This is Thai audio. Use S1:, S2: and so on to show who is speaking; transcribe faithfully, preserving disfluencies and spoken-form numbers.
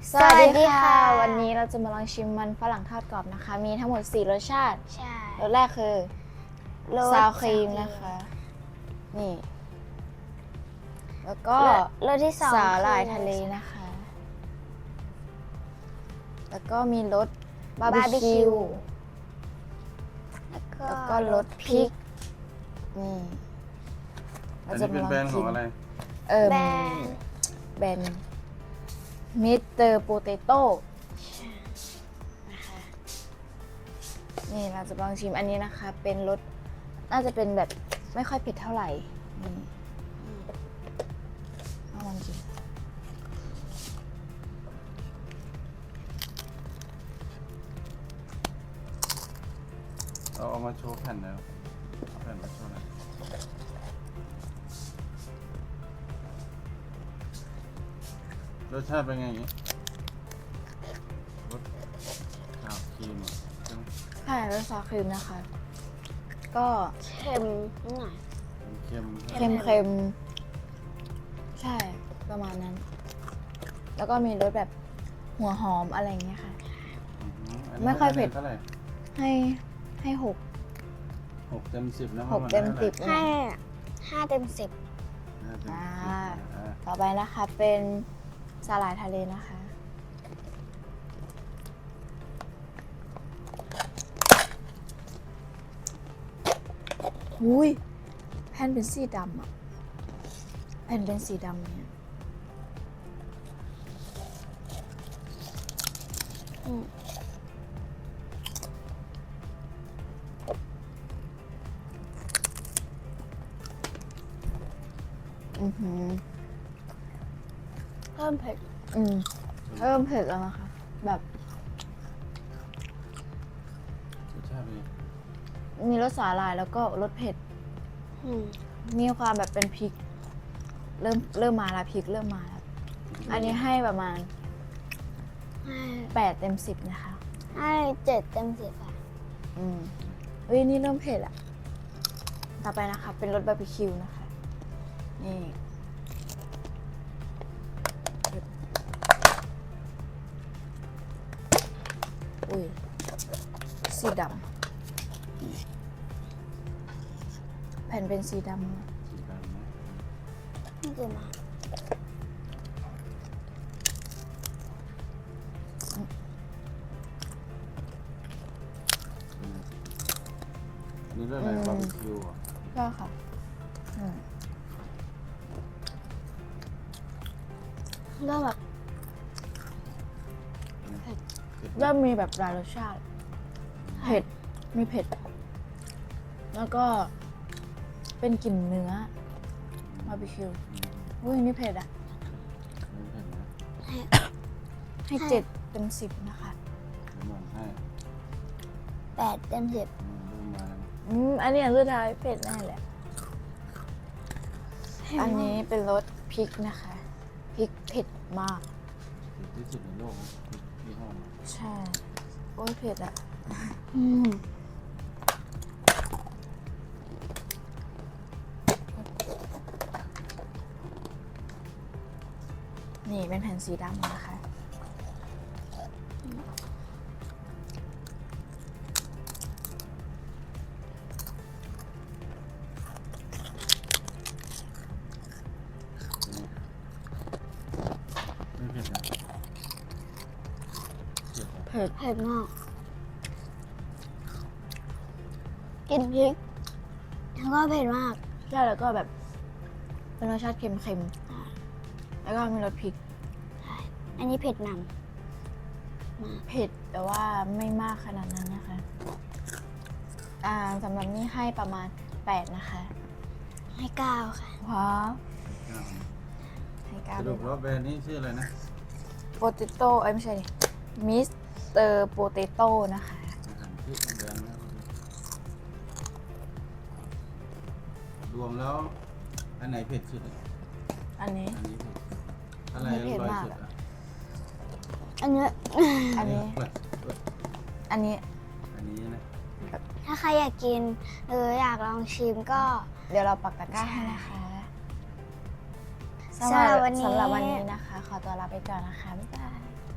S1: สวัสดีค่ะวันนี้เราจะมาลองชิมมันฝรั่งทอดกรอบนะคะมีทั้งหมดสี่รสชาติ
S2: ใช่
S1: รสแรกคือซาวครีมนะคะนี่แล้วก็
S2: รสที่สอง
S1: สาหร่ายทะเลนะคะแล้วก็มีรสบาร์บีคิวแล้วก็รสพริกนี่
S3: อันนี้เป็นแบรนด์ของอะไร
S1: เออแบรนด์มิสเตอร์โปเตโต้นะคะนี่เราจะลองชิมอันนี้นะคะเป็นรสน่าจะเป็นแบบไม่ค่อยเผ็ดเท่าไหร่นี่เอาลองชิม
S3: เอาเอามาโชว์แผ่นแล้วเอาแผ่นมาโชว์หน่อยรสชาติเป็นไงอย่างนี้รสขาวครีมใช่ไหม
S1: ใช่รสซอสครีมนะคะ ก็
S2: เค็มนิดหน่อย
S3: เค็ม
S1: เค็มเค็มใช่ประมาณนั้น แล้วก็มีรสแบบหัวหอมอะไรอย่างเงี้ยค่ะไม่ค่อยเผ็ด
S3: เท่าไหร่
S1: ให้ให้หก
S3: หกเต็มสิบนะ
S1: หกเต็มสิบ
S2: ให้ห้าเต็มสิบ
S3: ห้าเต็ม
S1: อ่า
S3: สิบอ่า
S1: ต่อไปนะคะเป็นสาหร่ายทะเลนะคะหุยแผ่นเป็นสีดำอ่ะแผ่นเป็นสีดำเนี่ยอืมอือหือ
S2: เพิ่มเผ็ด
S1: อืมเริ่มเผ็ดแล้วนะคะแบบ
S3: รสชาติเป็นไง
S1: มีรสสาหร่ายแล้วก็รสเผ็ด
S2: อืม
S1: มีความแบบเป็นพริก เริ่มเริ่มมาแล้วพริกเริ่มมาแล้วอันนี้ให้ประมาณ
S2: ให้
S1: แปดเต็มสิบนะคะ
S2: ให้เจ็ดเต็มสิบค่ะ
S1: อืมเฮ้ยนี่เริ่มเผ็ดอะต่อไปนะคะเป็นรสบาร์บีคิวนะคะ นี่อุ้ยสีดำแผ่นเป็นสีดำ
S3: สีดำนะ
S2: นี่คือมา
S3: อันนี่เรื่องอะไรบาร์บีคิวอ่ะ
S1: ก็ค่ะอืม
S2: ก็แบบ
S3: เผ็ด
S1: เริ่มมีแบบหลายรสชาติ เผ็ด มีเผ็ด แล้วก็เป็นกลิ่นเนื้อบาร์บีคิวอุ้ยนี่เผ็ดอ่ะ
S3: ไม่เผ็ดนะ
S2: ให้
S1: ให้เจ็ดเต็มสิบนะคะ
S3: น้ำมันให้
S2: แปดเต็มสิบ
S3: อืมเริ่มมาแล้ว
S1: อืมอันนี้อันสุดท้ายเผ็ดแน่แหละ อันนี้เป็นรสพริกนะคะ พริกเผ็ดมาก
S3: เผ็ดที่สุดในโลกนะที่ห้อง
S1: ใช่ โอ้ยเผ็ดอ่ะ
S2: อืม
S1: นี่เป็นแผ่นสีดำนะคะ
S3: ไม่เผ็ดนะเผ็ดนะ
S1: เผ็ด
S2: เผ็ดมากกินพริกแล้วก็เผ็ดมาก
S1: ใช่แล้วก็แบบ เป็นรสชาติเค็มๆ แล้วก็มีรสพริก
S2: อันนี้เผ็ดน
S1: เผ็ดแต่ว่าไม่มากขนาดนั้นนะคะ อ่าสำหรับนี่ให้ประมาณแปดนะคะ
S2: ำให้เก้าค่ะ
S1: ว้าว
S3: ข้าวนะ
S1: ให้เก้า
S3: ส
S1: เล
S3: รุ
S1: ย
S3: ปแล้วแบรนด์นี้ชื่ออะไรนะ
S1: โปเตโต้เอ้ยไม่ใช่ดิมิสเตอร์โปเตโต้นะคะ
S3: อาหารที่แบรนด์นะรวมแล้วอันไหนเผ็ดสุดอะ
S1: อันนี้
S3: อันนี้เผ็ดอะไร
S1: ไม่
S3: อ
S1: เผ็ด
S3: ร่อย
S1: มาก
S3: สุด
S1: อะ
S3: อะ
S2: อันเนี้ย
S1: อันนี้
S3: เผ็ดเผ็ด
S1: อันนี้
S3: อันนี้นะ
S2: ถ้าใครอยากกินหรืออยากลองชิมก็
S1: เดี๋ยวเราปักตะกร้าให้นะคะ
S2: สำหรับวันนี้
S1: สำหรับวันนี้นะคะ ขอตัวลาไปก่อนนะคะ บ๊ายบาย